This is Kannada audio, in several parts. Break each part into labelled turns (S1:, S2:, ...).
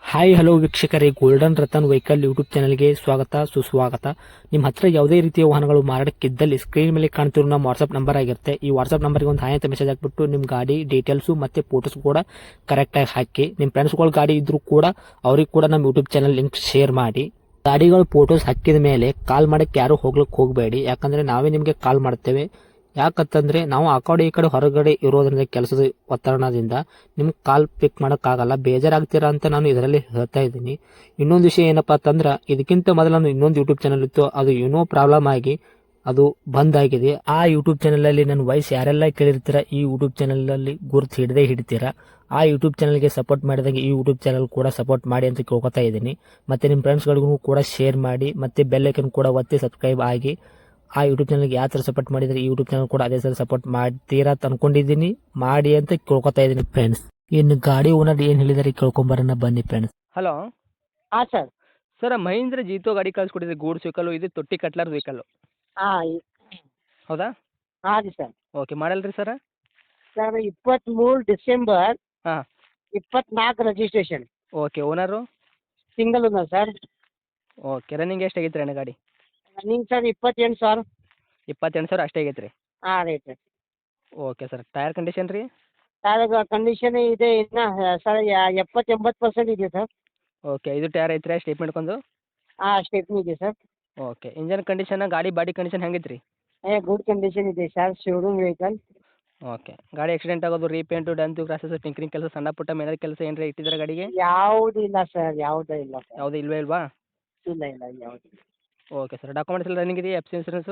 S1: ಹಾಯ್ ಹಲೋ ವೀಕ್ಷಕರೇ, ಗೋಲ್ಡನ್ ರತನ್ ವೆಹಿಕಲ್ ಯೂಟ್ಯೂಬ್ ಚಾನಲ್ಗೆ ಸ್ವಾಗತ ಸುಸ್ವಾಗತ. ನಿಮ್ಮ ಹತ್ರ ಯಾವುದೇ ರೀತಿಯ ವಾಹನಗಳು ಮಾರಾಟಕ್ಕಿದ್ದಲ್ಲಿ ಸ್ಕ್ರೀನ್ ಮೇಲೆ ಕಾಣ್ತಿರೋ ನಮ್ಮ ವಾಟ್ಸ್ಆಪ್ ನಂಬರ್ ಆಗಿರುತ್ತೆ. ಈ ವಾಟ್ಸ್ಆಪ್ ನಂಬರ್ಗೆ ಒಂದು ಹಾಯ್ ಅಂತ ಮೆಸೇಜ್ ಹಾಕ್ಬಿಟ್ಟು ನಿಮ್ಮ ಗಾಡಿ ಡೀಟೇಲ್ಸು ಮತ್ತೆ ಫೋಟೋಸ್ ಕೂಡ ಕರೆಕ್ಟಾಗಿ ಹಾಕಿ. ನಿಮ್ಮ ಫ್ರೆಂಡ್ಸ್ಗಳ ಗಾಡಿ ಇದ್ರೂ ಕೂಡ ಅವ್ರಿಗೆ ಕೂಡ ನಮ್ಮ ಯೂಟ್ಯೂಬ್ ಚಾನಲ್ ಲಿಂಕ್ ಶೇರ್ ಮಾಡಿ. ಗಾಡಿಗಳು ಫೋಟೋಸ್ ಹಾಕಿದ ಮೇಲೆ ಕಾಲ್ ಮಾಡಕ್ಕೆ ಯಾರು ಹೋಗ್ಲಿಕ್ಕೆ ಹೋಗಬೇಡಿ, ಯಾಕಂದ್ರೆ ನಾವೇ ನಿಮಗೆ ಕಾಲ್ ಮಾಡ್ತೇವೆ. ಯಾಕಂತಂದ್ರೆ ನಾವು ಆ ಕಡೆ ಈ ಕಡೆ ಹೊರಗಡೆ ಇರೋದ್ರಿಂದ ಕೆಲಸದ ಒತ್ತಡದಿಂದ ನಿಮ್ಗೆ ಕಾಲ್ ಪಿಕ್ ಮಾಡೋಕ್ಕಾಗಲ್ಲ, ಬೇಜಾರಾಗ್ತೀರಾ ಅಂತ ನಾನು ಇದರಲ್ಲಿ ಹೇಳ್ತಾ ಇದ್ದೀನಿ. ಇನ್ನೊಂದು ವಿಷಯ ಏನಪ್ಪಾ ಅಂತಂದ್ರೆ, ಇದಕ್ಕಿಂತ ಮೊದಲು ನಾನು ಇನ್ನೊಂದು ಯೂಟ್ಯೂಬ್ ಚಾನಲ್ ಇತ್ತು, ಅದು ಏನೋ ಪ್ರಾಬ್ಲಮ್ ಆಗಿ ಅದು ಬಂದ್ ಆಗಿದೆ. ಆ ಯೂಟ್ಯೂಬ್ ಚಾನಲ್ ಅಲ್ಲಿ ನನ್ನ ವಾಯ್ಸ್ ಯಾರೆಲ್ಲ ಕೇಳಿರ್ತೀರಾ, ಈ ಯೂಟ್ಯೂಬ್ ಚಾನಲ್ ಅಲ್ಲಿ ಗುರುತು ಹಿಡದೇ ಹಿಡಿತೀರಾ. ಆ ಯೂಟ್ಯೂಬ್ ಚಾನಲ್ಗೆ ಸಪೋರ್ಟ್ ಮಾಡಿದಾಗ ಈ ಯೂಟ್ಯೂಬ್ ಚಾನಲ್ ಕೂಡ ಸಪೋರ್ಟ್ ಮಾಡಿ ಅಂತ ಕೇಳ್ಕೊತಾ ಇದ್ದೀನಿ. ಮತ್ತೆ ನಿಮ್ಮ ಫ್ರೆಂಡ್ಸ್ಗಳಿಗೂ ಕೂಡ ಶೇರ್ ಮಾಡಿ, ಮತ್ತೆ ಬೆಲ್ ಐಕನ್ ಕೂಡ ಒತ್ತಿ ಸಬ್ಸ್ಕ್ರೈಬ್ ಆಗಿ. ಆ ಯೂಟ್ಯೂಬ್ ಚಾನಲ್ಗೆ ಯಾವ ಥರ ಸಪೋರ್ಟ್ ಮಾಡಿದ್ರೆ ಈ ಯೂಟ್ಯೂಬ್ ಚಾನಲ್ ಕೂಡ ಅದೇ ಥರ ಸಪೋರ್ಟ್ ಮಾಡ್ತೀರಾ ಅಂತ ಅನ್ಕೊಂಡಿದ್ದೀನಿ. ಮಾಡಿ ಅಂತ ಕೇಳ್ಕೊತಾ ಇದ್ದೀನಿ ಫ್ರೆಂಡ್ಸ್. ಇನ್ನು ಗಾಡಿ ಓನರ್ ಏನು ಹೇಳಿದಾರೆ ಕೇಳ್ಕೊಂಬರೋಣ ಬನ್ನಿ ಫ್ರೆಂಡ್ಸ್.
S2: ಹಲೋ
S3: ಹಾಂ ಸರ್.
S2: ಸರ್, ಮಹೀಂದ್ರ ಜೀತೋ ಗಾಡಿ ಕಳಿಸ್ಕೊಟ್ಟಿದ್ರಿ, ಗೂಡ್ಸ್ ವೆಹಿಕಲ್ಲು. ಇದು ತೊಟ್ಟಿ ಕಟ್ಲಾರ್ದು ವೆಹಿಕಲ್ಲು,
S3: ಹಾಂ
S2: ಹೌದಾ?
S3: ಹಾಂ ರೀ ಸರ್.
S2: ಓಕೆ, ಮಾಡಲ್ ರೀ ಸರ್?
S3: ಸರ್ 23 ಡಿಸೆಂಬರ್
S2: ಹಾಂ.
S3: 24 registration.
S2: Okay, owner?
S3: Single owner sir.
S2: Okay, running ಎಷ್ಟು ಆಗೈತೆ ರೀ ಅಣ್ಣ ಗಾಡಿ?
S3: ರನ್ನಿಂಗ್ ಸರ್ 28 ಸಾವಿರ.
S2: 28,000 ಅಷ್ಟೇ ಆಗೈತೆ ರೀ?
S3: ಹಾಂ ರೀ sir.
S2: Okay sir, tyre condition ರೀ?
S3: ಟೈರ್ ಕಂಡೀಷನ್ ಇದೆ ಇನ್ನು ಸರ್ 70-80% ಇದೆ ಸರ್.
S2: ಓಕೆ, ಇದು ಟೈರ್ ಐತ್ರಿ ಸ್ಟೇಟ್ಮೆಂಟ್ ಕೊಂದು?
S3: ಹಾಂ ಸ್ಟೆಪ್ನಿ ಇದೆ ಸರ್.
S2: ಓಕೆ, ಇಂಜನ್ ಕಂಡೀಷನ್, ಗಾಡಿ ಬಾಡಿ ಕಂಡೀಷನ್ ಹೆಂಗೈತೆ ರೀ?
S3: ಗುಡ್ ಕಂಡೀಷನ್ ಇದೆ ಸರ್, ಶೋರೂಮ್ ವೆಹಿಕಲ್.
S2: ಓಕೆ, ಗಾಡಿ ಆಕ್ಸಿಡೆಂಟ್ ಆಗೋದು, ರೀಪೇಂಟು, ಡಂತು, ಕ್ರಾಸಸ್, ಟಿಂಕರಿಂಗ್ ಕೆಲಸ, ಸಣ್ಣ ಪುಟ್ಟ ಮೇನರ್ ಕೆಲಸ ಏನಾರ ಇಟ್ಟಿದ್ದಾರೆ ಗಾಡಿಗೆ?
S3: ಯಾವುದೂ ಇಲ್ಲ ಸರ್, ಯಾವುದೂ ಇಲ್ಲ ಸರ್.
S2: ಯಾವುದೂ ಇಲ್ವೇ ಇಲ್ವಾ?
S3: ಇಲ್ಲ ಇಲ್ಲ ಯಾವುದು.
S2: ಓಕೆ ಸರ್, ಡಾಕ್ಯುಮೆಂಟ್ಸ್ ಎಲ್ಲ ರನ್ನಿಂಗ್ ಇದೆಯಾ? F C insurance?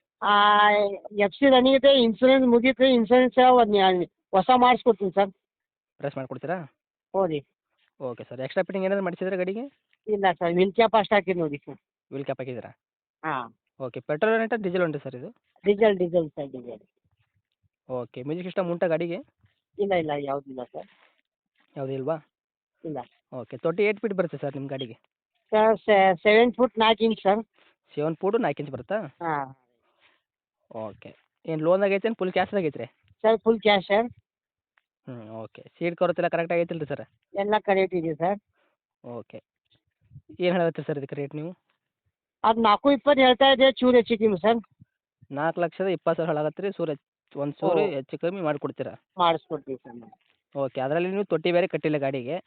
S3: F C running ಇದೆ, ಇನ್ಸೂರೆನ್ಸ್ ಮುಗೀತು. ಇನ್ಸೂರೆನ್ಸ್ ಹೊಸ ಮಾಡಿಸ್ಕೊಡ್ತೀನಿ ಸರ್.
S2: ಪ್ರೆಸ್ ಮಾಡಿಕೊಡ್ತೀರಾ?
S3: ಹ್ಞೂ ರೀ.
S2: ಓಕೆ ಸರ್, ಎಕ್ಸ್ಟ್ರಾ ಫಿಟ್ಟಿಂಗ್ ಏನಾದ್ರು ಮಾಡಿಸಿದ್ರೆ ಗಾಡಿಗೆ?
S3: ಇಲ್ಲ ಸರ್, ವಿಲ್ ಕ್ಯಾಪ್ ಅಷ್ಟು ಹಾಕಿದ್ದು ನೋಡಿ ಸರ್.
S2: ವೀಲ್ ಕ್ಯಾಪ್ ಹಾಕಿದ್ದೀರಾ?
S3: ಹಾಂ.
S2: ಓಕೆ, ಪೆಟ್ರೋಲ್ ಉಂಟಾ ಡೀಸೆಲ್ ಉಂಟು ಸರ್ ಇದು?
S3: Diesel sir, diesel.
S2: Okay, music system ಉಂಟಾ ಗಾಡಿಗೆ?
S3: ಇಲ್ಲ ಇಲ್ಲ ಯಾವುದಿಲ್ಲ ಸರ್.
S2: ಯಾವುದೂ ಇಲ್ವಾ?
S3: ಇಲ್ಲ
S2: ಓಕೆ, 8 ಫೀಟ್ ಬರುತ್ತೆ ಸರ್ ನಿಮ್ಮ ಗಾಡಿಗೆ?
S3: Sir 7 foot 4 inch sir.
S2: 7 foot 4 inch ಬರುತ್ತಾ?
S3: ಹಾಂ
S2: ಓಕೆ, ಏನು ಲೋನ್ದಾಗ ಐತೆ ಏನು ಫುಲ್ ಕ್ಯಾಶ್ದಾಗ ಐತ್ರಿ?
S3: Sir, full cash sir.
S2: Okay, seat covers ಎಲ್ಲ ಕರೆಕ್ಟ್ ಆಗೈತಿಲ್ಲ ರೀ ಸರ್?
S3: ಎಲ್ಲ ಕರೆಕ್ಟ್ ಇದೆ ಸರ್.
S2: ಓಕೆ, ಏನು ಹೇಳತ್ತೀರಿ ಸರ್ ಇದಕ್ಕೆ ರೇಟ್ ನೀವು?
S3: ಅದು 4.20 ಹೇಳ್ತಾ ಇದೆ, ಚೂರು ಹೆಚ್ಚಿದ್ದೀನಿ ಸರ್.
S2: 4,20,000 ಹೇಳಾಗತ್ತೆ ರೀ. ಒಂದು ಸೂರು ಹೆಚ್ಚು ಕಮ್ಮಿ ಮಾಡಿಕೊಡ್ತೀರಾ?
S3: ಮಾಡಿಸ್ಕೊಡ್ತೀವಿ ಸರ್ ನಾವು.
S2: ಓಕೆ, ಅದರಲ್ಲಿ ನೀವು ತೊಟ್ಟಿ ಬೇರೆ ಕಟ್ಟಿಲ್ಲ ಗಾಡಿಗೆ,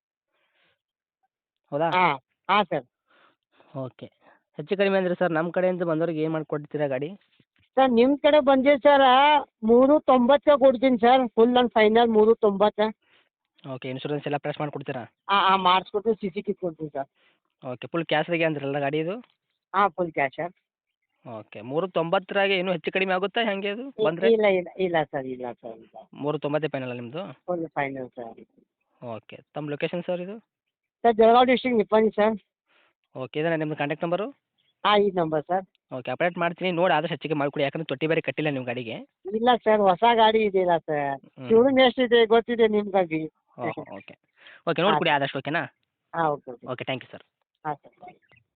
S2: ಹೌದಾ?
S3: ಹಾಂ ಹಾಂ ಸರ್.
S2: ಓಕೆ, ಹೆಚ್ಚು ಕಡಿಮೆ ಅಂದರೆ ಸರ್ ನಮ್ಮ ಕಡೆಯಿಂದ ಬಂದವ್ರಿಗೆ ಏನು ಮಾಡಿಕೊಡ್ತೀರಾ ಗಾಡಿ?
S3: ಸರ್ ನಿಮ್ಮ ಕಡೆ ಬಂದಿದೆ ಸರ್, 3.90 ಕೊಡ್ತೀನಿ sir, full and final 3.90.
S2: Okay, insurance ಎಲ್ಲ ಪ್ರೆಸ್ ಮಾಡಿಕೊಡ್ತೀರಾ?
S3: ಹಾಂ ಮಾಡಿಸ್ಕೊಡ್ತೀನಿ, ಸಿ ಸಿ ಕಿಟ್ ಕೊಡ್ತೀನಿ ಸರ್.
S2: ಓಕೆ, ಫುಲ್ ಕ್ಯಾಶ್ದಾಗೆ ಅಂದ್ರಲ್ಲ ಗಾಡಿ ಇದು?
S3: ಹಾಂ ಫುಲ್ ಕ್ಯಾಶ್ ಸರ್.
S2: ಓಕೆ, 3.90 ಇನ್ನೂ ಹೆಚ್ಚು ಕಡಿಮೆ ಆಗುತ್ತಾ ಹೆಂಗೆ ಅದು ಬಂದರೆ?
S3: ಇಲ್ಲ ಇಲ್ಲ ಇಲ್ಲ ಸರ್, ಇಲ್ಲ ಸರ್, ಇಲ್ಲ.
S2: 3.90 ಫೈನಲ್ ನಿಮ್ಮದು?
S3: Full final sir.
S2: ಓಕೆ, ತಮ್ಮ ಲೊಕೇಶನ್ ಸರ್ ಇದು?
S3: Sir Jalgaon district Nippani sir.
S2: Okay, ಇದೇನಾ ನಿಮ್ಮದು ಕಾಂಟ್ಯಾಕ್ಟ್ ನಂಬರು?
S3: ಹಾಂ ಈ ನಂಬರ್ ಸರ್.
S2: ಓಕೆ, ಅಪ್ಡೇಟ್ ಮಾಡ್ತೀನಿ, ನೋಡಿ ಆದಷ್ಟು ಹೆಚ್ಚಿಗೆ ಮಾಡಿಕೊಡಿ, ಯಾಕಂದ್ರೆ ತೊಟ್ಟಿ ಬೇರೆ ಕಟ್ಟಿಲ್ಲ ನಿಮ್ಮ ಗಾಡಿಗೆ.
S3: ಇಲ್ಲ ಸರ್, ಹೊಸ ಗಾಡಿ ಇದೆಯಲ್ಲ ಸರ್, ಶೋರೂಮ್ ಎಷ್ಟಿದೆ ಗೊತ್ತಿದೆ ನಿಮ್ಗಾಗಿ.
S2: ಓಕೆ ಓಕೆ, ನೋಡಿಕೊಡಿ ಆದಷ್ಟು, ಓಕೆನಾ?
S3: ಹಾಂ okay okay.
S2: Okay, thank you sir.
S3: ಹಾಂ ಸರ್.